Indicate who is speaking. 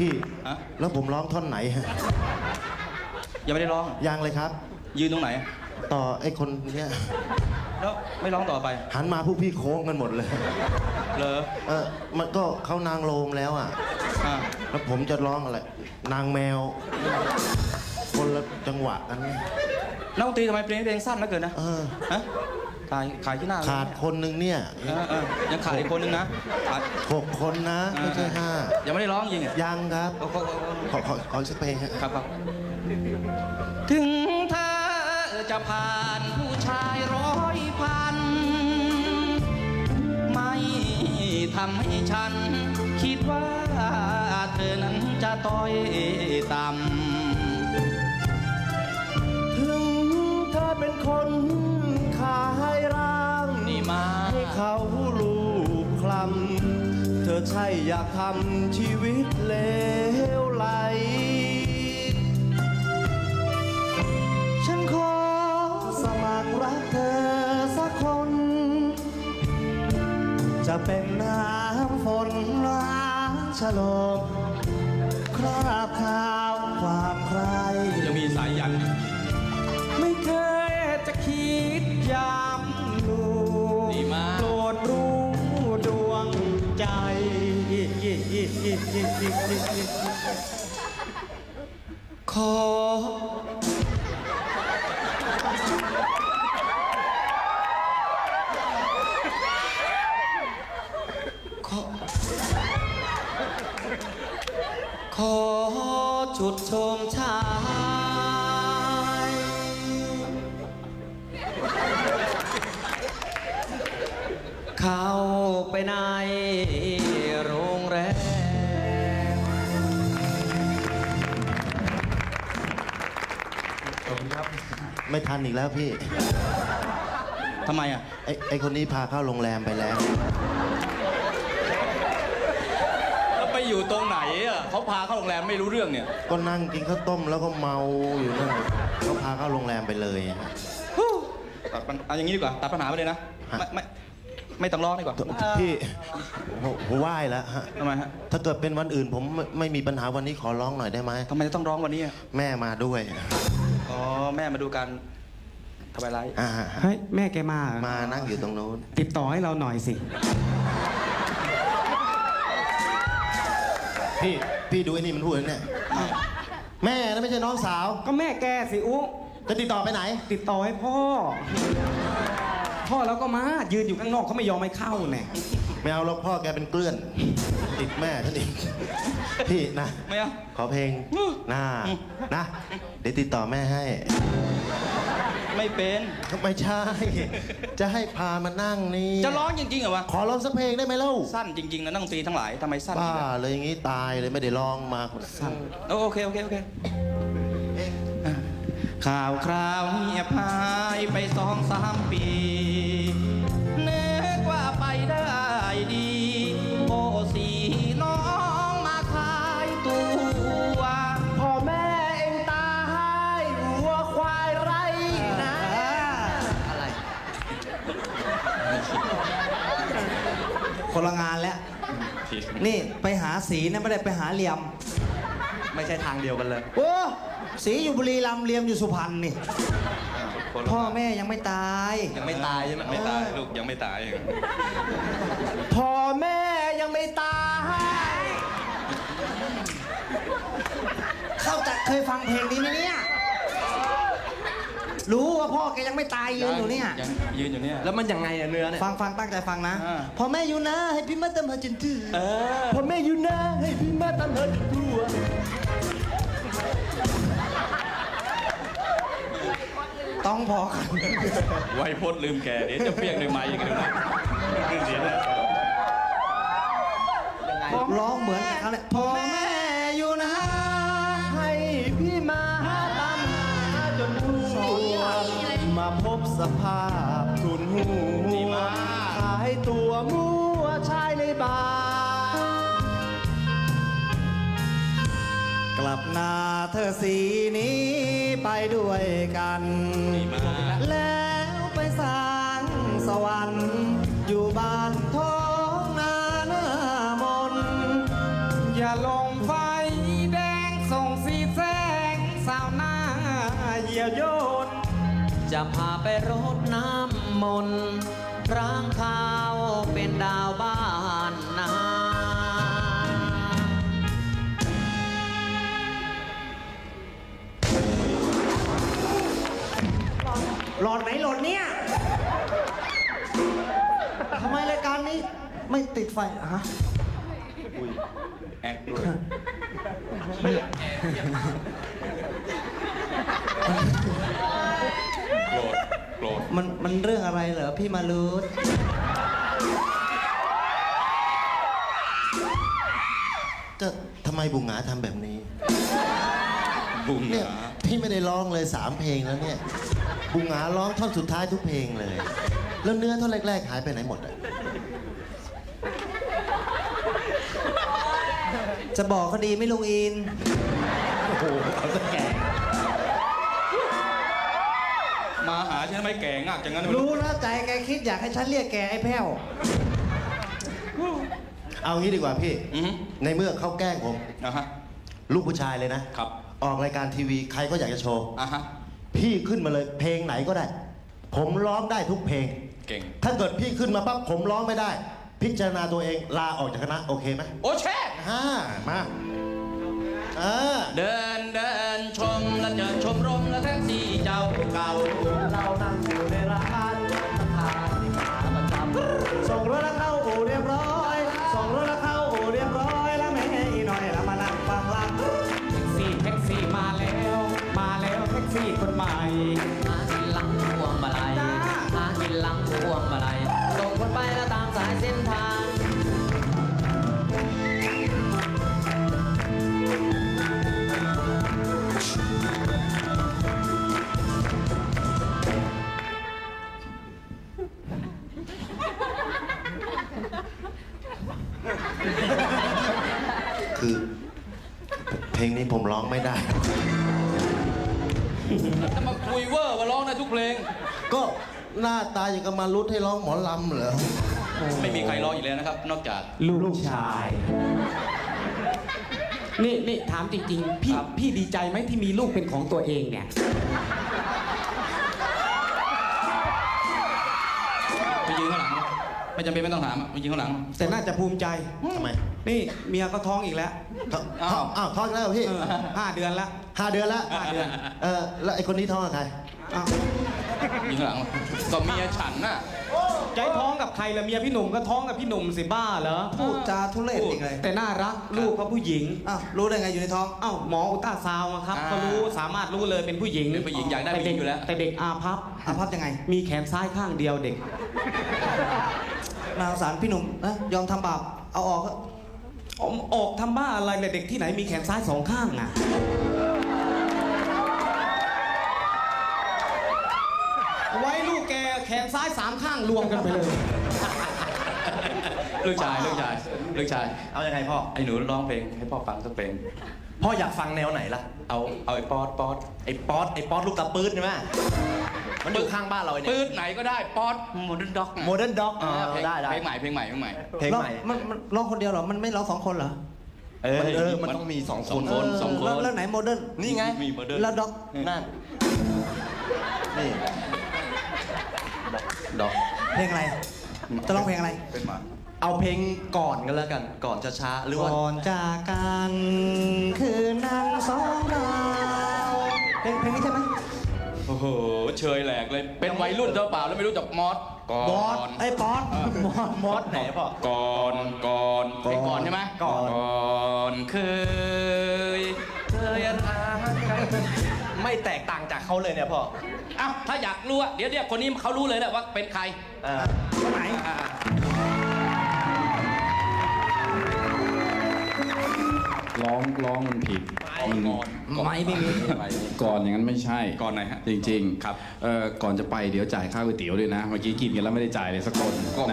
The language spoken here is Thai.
Speaker 1: พี่
Speaker 2: ฮะ
Speaker 1: แล้วผมร้องท่อนไหนฮะ
Speaker 2: ยังไม่ได้ร้อง
Speaker 1: ยังเลยครับ
Speaker 2: ยืนตรงไหน
Speaker 1: ต่อไอ้คนเนี้ย
Speaker 2: แล้วไม่ร้องต่อไป
Speaker 1: หันมาพวกพี่โค้งกันหมดเลย
Speaker 2: เหรอ
Speaker 1: มันก็เขานางโลมแล้วอ่ะ
Speaker 2: อ่า
Speaker 1: แล้วผมจะร้องอะไร นางแมว คนละจังหวะกัน
Speaker 2: นักดนตรีทำไมเพลงสั้นเหลือเกินนะฮะขายที่หน้า
Speaker 1: ขาดคนหนึ่งเนี่ย
Speaker 2: ยังขาดอีกคนนึงนะขาด
Speaker 1: 6 คนนะ ไม่ใช่ 5
Speaker 2: ยังไม่ได้ร้องยิง
Speaker 1: ยังครับ ขอสักเพลงฮะ
Speaker 2: ครับถึงเธอจะผ่านผู้ชาย100,000ไม่ทำให้ฉัน คิดว่าเธอนั้นจะต้อยต่ำ
Speaker 1: ถึงเธอเป็นคนขายร่าง
Speaker 2: นี่มา
Speaker 1: ให้เขาลูบคลำเธอใช่อยากทำชีวิตเลวไหล ฉันขอสมัครรักเธอสักคน จะเป็นน้ำฝนล้างฉลมคราบขาวความใคร
Speaker 2: ยังมีสายยัน
Speaker 1: ไม่เคยจะคิดยามดู
Speaker 2: ดีมาก
Speaker 1: โปรดรู้ดวงใจขอจุดชมชายเข้าไปในโรงแรมขอบคุณครับไม่ทันอีกแล้วพี่
Speaker 2: ทำไมอ่ะ
Speaker 1: ไอ้คนนี้พาเข้าโรงแรมไปแล้ว
Speaker 2: แล้วไปอยู่ตรงไหนอ่ะเขาพาเข้าโรงแรมไม่รู้เรื่องเนี่ย
Speaker 1: ก็นั่งกินข้าวต้มแล้วก็เมาอยู่นั่นเขาพาเข้าโรงแรมไปเลยฮะ
Speaker 2: ตัดปัญเอาอย่างนี้ดีกว่าตัดปัญหาไปเลยนะ
Speaker 1: ฮะ
Speaker 2: ไม่ต้องร้องดีกว่า
Speaker 1: พี่ผมไหว้แล้วฮะ
Speaker 2: ทำไมฮะ
Speaker 1: ถ้าเกิดเป็นวันอื่นผมไม่มีปัญหาวันนี้ขอร้องหน่อยได้ไหม
Speaker 2: ทำไมจะต้องร้องวันนี้อ่ะ
Speaker 1: แม่มาด้วย
Speaker 2: อ๋อแม่มาดูกันทำไมไร
Speaker 3: เฮ้ยแม่แกมาเหรอ
Speaker 1: มานั่งอยู่ตรงนู้น
Speaker 3: ติดต่อให้เราหน่อยสิ
Speaker 1: พี่ดูไอ้นี่มันพูดเนี่ยแม่นะไม่ใช่น้องสาว
Speaker 3: ก็แม่แกสิอุ๊
Speaker 1: จะติดต่อไปไหน
Speaker 3: ติดต่อให้พ่อ พ่อแล้วก็มายืนอยู่ข้างนอกเขาไม่ยอมให้เข้าแน่
Speaker 1: ไม่เอาหรอกพ่อแกเป็นเกลื่อน ติดแม่ฉันอีกพี่นะ
Speaker 2: ไม่เอา
Speaker 1: ขอเพลงนะเดี๋ยวติดต่อแม่ให้
Speaker 2: ไม่เป็น
Speaker 1: ไม่ใช่ จะให้พามานั่งนี่
Speaker 2: จะร้องจริงๆเหรอวะ
Speaker 1: ขอร้องสักเพลงได้ไหมเล่า
Speaker 2: สั้นจริงๆนะนักดนตรีทั้งหลายทำไมสั้น
Speaker 1: บ้าเลยอย่างนี้ตายเลยไม่ได้ร้องมาสั้น
Speaker 2: โอเคข่าวคราวเงียบหายไป2-3 ปีนึกว่าไปได้ดีโอ้สีน้องมาขายตัว
Speaker 1: พ่อแม่เองตายวัวควายไรนะ
Speaker 3: อะไร คนละงานแล้ว นี่ไปหาสีนะไม่ได้ไปหาเหลี่ยม
Speaker 2: ไม่ใช่ทางเดียวกันเลย
Speaker 3: โอ้สีอยู่บุรีรัมย์เหลี่ยมอยู่สุพรรณนี่ พ่อแม่ยังไม่ตาย
Speaker 2: ยังไม่ตายใช่ไหมไม่ตายลูกยังไม่ตาย
Speaker 1: พ่อแม่ยังไม่ตาย
Speaker 3: เคยฟังเพลงนี้ไหมเนี่ย รู้ว่าพ่อแกยังไม่ตายยืนอยู่เนี่ย
Speaker 2: ยืนอยู่เนี่ย
Speaker 3: แล้วมันยังไงอะเนื้อเนี่ย ฟังตั้งใจฟังนะ
Speaker 2: อ่า
Speaker 3: พ่อแม่อยู่นะให้พี่มาเติมหาจนถึง
Speaker 1: พ่อแม่อยู่นะให้พี่มาตามหาจนทั่ว
Speaker 3: ต้องพอกัน
Speaker 2: ไวยพจน์ลืมแกเดี๋ยวจะเปียกด้วยไม้ยังไงนะเสียแล้ว
Speaker 3: ร้องเหมือนกันเขาเนี่ยพ่อแม่อยู่นะ
Speaker 1: ให้พี่มาตามหาจนทั่วมาพบสภาพทุนหัวขายตัวมั่วชายในบาร์
Speaker 3: กลับหน้าเธอสีนี้ไปด้วยกัน แล้วไปสร้างสวรรค์อยู่บ้านท้องนาหน้ามน อย่าลงไฟ
Speaker 2: เยี่ยวโยน
Speaker 4: จะพาไปรดน้ำมนต์ร่างข้าวเป็นดาวบ้านนา
Speaker 3: หลอดไหนหลอดเนี่ยทำไมรายการนี้ไม่ติดไฟอะฮะ
Speaker 2: แอคด้วย โกรธ โกรธ
Speaker 3: มันเรื่องอะไรเหรอพี่มารุธ
Speaker 1: ก็ทำไมบุงหงาทำแบบนี้
Speaker 2: บุ้ง
Speaker 1: เนี่ย
Speaker 2: หนา
Speaker 1: พี่ไม่ได้ร้องเลย3เพลงแล้วเนี่ย บุงหงาร้องท่อนสุดท้ายทุกเพลงเลย แล้วเนื้อท่อนแรกๆหายไปไหนหมดอ่ะ
Speaker 3: จะบอกเขาดีไหม่ลุงอิน
Speaker 2: มาหาฉันทำไมแก่งักจังงั้นไม่
Speaker 3: รู้นะใจแกคิดอยากให้ฉันเรียกแกไอ้แพ้ว
Speaker 1: เอางี้ดีกว่าพี่
Speaker 2: อือฮึ
Speaker 1: ในเมื่อเขาแกล้งผม
Speaker 2: อ่ะฮะ
Speaker 1: ลูกผู้ชายเลยนะ
Speaker 2: ครับ
Speaker 1: ออกรายการทีวีใครก็อยากจะโชว์
Speaker 2: อ่ะฮะ
Speaker 1: พี่ขึ้นมาเลยเพลงไหนก็ได้ ผมร้องได้ทุกเพลง
Speaker 2: เก่ง
Speaker 1: ถ้าเกิดพี่ขึ้นมาปั๊บผมร้องไม่ได้ พิจารณาตัวเองลาออกจากคณะโอเคไหม
Speaker 2: โอ้แช่
Speaker 1: มา
Speaker 2: เดินเดินชมแล้วเจอชมรมและแท็กซี่เจ้าเก่า
Speaker 3: เรานั่งอยู่ในร้านราคาที่ขาประจำส่งรถแล้วเข้าอู่เรียบร้อยส่งรถแล้วเข้าอู่เรียบร้อยแล้วแม่อีหน่อยแล้วมานั่งฟังลำ
Speaker 4: แท็กซี่มาแล้วแท็กซี่คนใหม่หากินหลังพวงมาลัยหากินหลังพวงมาลัยส่งคนไปแล้วตามสายเส้นทาง
Speaker 1: คือเพลงนี้ผมร้องไม่ได้
Speaker 2: จะมาคุยเวอร์ว่าร้องได้ทุกเพลง
Speaker 1: ก็หน้าตาอย่างกับมารุดให้ร้องหมอลำเหรอ
Speaker 2: ไม่มีใครร้องอีกแล้วนะครับ นอกจาก
Speaker 4: ลูกชาย นี่ถามจริงๆ พี่ดีใจไหมที่มีลูกเป็นของตัวเองเนี่ย
Speaker 2: ไปยืนข้างหลัง ไม่จำเป็นไม่ต้องถามไปยืนข้างหลัง
Speaker 3: แต่น่าจะภูมิใจ
Speaker 1: ทำไม
Speaker 3: นี่เมียก็ท้องอีกแล้ว
Speaker 1: อ้าวท้องแล้วเหรอพี่
Speaker 3: 5 เดือนแล้ว
Speaker 1: 5 เดือนแล้ว
Speaker 3: 5 เดือน
Speaker 1: แล้วไอ้คนนี้ท้องกับใคร
Speaker 3: อ้าว
Speaker 2: ยืนข้างหลังก็เมียฉันน่ะ
Speaker 4: ใจท้องกับใครละเมียพี่หนุ่มก็ท้องกับพี่หนุ่มสิบ้าเหรอ
Speaker 3: พูดจาทุเรศอีกเลย
Speaker 4: แต่น่ารักลูกเขาผู้หญิง
Speaker 3: อ้าวรู้ได้ไงอยู่ในท้อง
Speaker 4: เอ้าหมออุลตราซาวน์อะครับก็รู้สามารถรู้เลยเป็นผู้หญิง
Speaker 2: เป็นผู้หญิงอยากได้ผู้หญิงอยู่แล้ว
Speaker 4: แต่เด็กอาภัพ
Speaker 3: อาภัพยังไง
Speaker 4: มีแขนซ้ายข้างเดียวเด็ก
Speaker 3: นาสงสารพี่หนุ่มนะยอมทำบาปเอาออกเถอะ
Speaker 4: ออกทำบ้าอะไรเลยเด็กที่ไหนมีแขนซ้ายสองข้างอ่ะ ไว้ลูกแกแขนซ้าย3ข้างรวมกันไปเลย
Speaker 2: ลูกชาย ลูกชาย ลูกชาย
Speaker 1: เอายังไงพ่อ
Speaker 2: ไอ้หนูร้องเพลงให้พ่อฟังสักเพลง
Speaker 1: พ่ออยากฟังแนวไหนล่ะ
Speaker 2: เอาไอ้ป๊อด
Speaker 1: ไอ้ป๊อตลูกตาปื๊ดใช่ไหมมันอยู่ข้างบ้านเราเนี่ย
Speaker 2: ปื๊ดไหนก็ได้ป๊อดโมเดิร์นด็อก
Speaker 1: โมเดิร์นด็อก
Speaker 2: เพลง
Speaker 1: ได้
Speaker 2: เพลงใหม่ เพลงใหม่
Speaker 1: เพลงใหม่
Speaker 3: มันร้องคนเดียวเหรอ มันไม่ร้อง2 คนเหรอ
Speaker 1: มันต้องมี2
Speaker 2: ส
Speaker 1: ค
Speaker 2: อง
Speaker 1: น
Speaker 2: คนสองคน
Speaker 3: แล้วไหนโมเดิร์น
Speaker 1: นี่ไง
Speaker 2: มีโมเดิร์น
Speaker 3: แล้วด็อก
Speaker 1: นั่น นี่
Speaker 2: ดอก
Speaker 3: เพลงอะไร จะร้องเพลงอะไร
Speaker 2: เป็นหมา
Speaker 1: เอาเพลงก่อนกันแล้วกัน ก่อนช้าๆหรือว่า
Speaker 3: ก่อนจากกันคืนนั้น2 เราเพลงนี้ใช่ไหม
Speaker 2: โอ้โห เชยแหลกเลย เป็นวัยรุ่นเจ้าเปล่าแล้วไม่รู้จักมอสก่อน
Speaker 3: บอสไอ้ป๊อด
Speaker 1: มอสไหนพ่อ
Speaker 2: ก่อนเพลงก่อนใช่ไหม
Speaker 1: ก่อน
Speaker 2: เคยรักกัน
Speaker 1: ไม่แตกต่างจากเขาเลยเนี่ยพ่อ
Speaker 2: อ้าวถ้าอยากรู้อะเดี๋ยวคนนี้เขารู้เลยแหละว่าเป็นใคร
Speaker 3: คนไหน
Speaker 5: ร้องมันผิดมัน
Speaker 3: ไม่มี
Speaker 5: ก่อนอย่างนั้นไม่ใช่
Speaker 2: ก่อนไหนฮะ
Speaker 5: จริงๆ
Speaker 2: ครับ
Speaker 5: ก่อนจะไปเดี๋ยวจ่ายค่าก๋วยเตี๋ยวด้วยนะ เมื่อกี้กินกันแล้วไม่ได้จ่ายเลยสักคน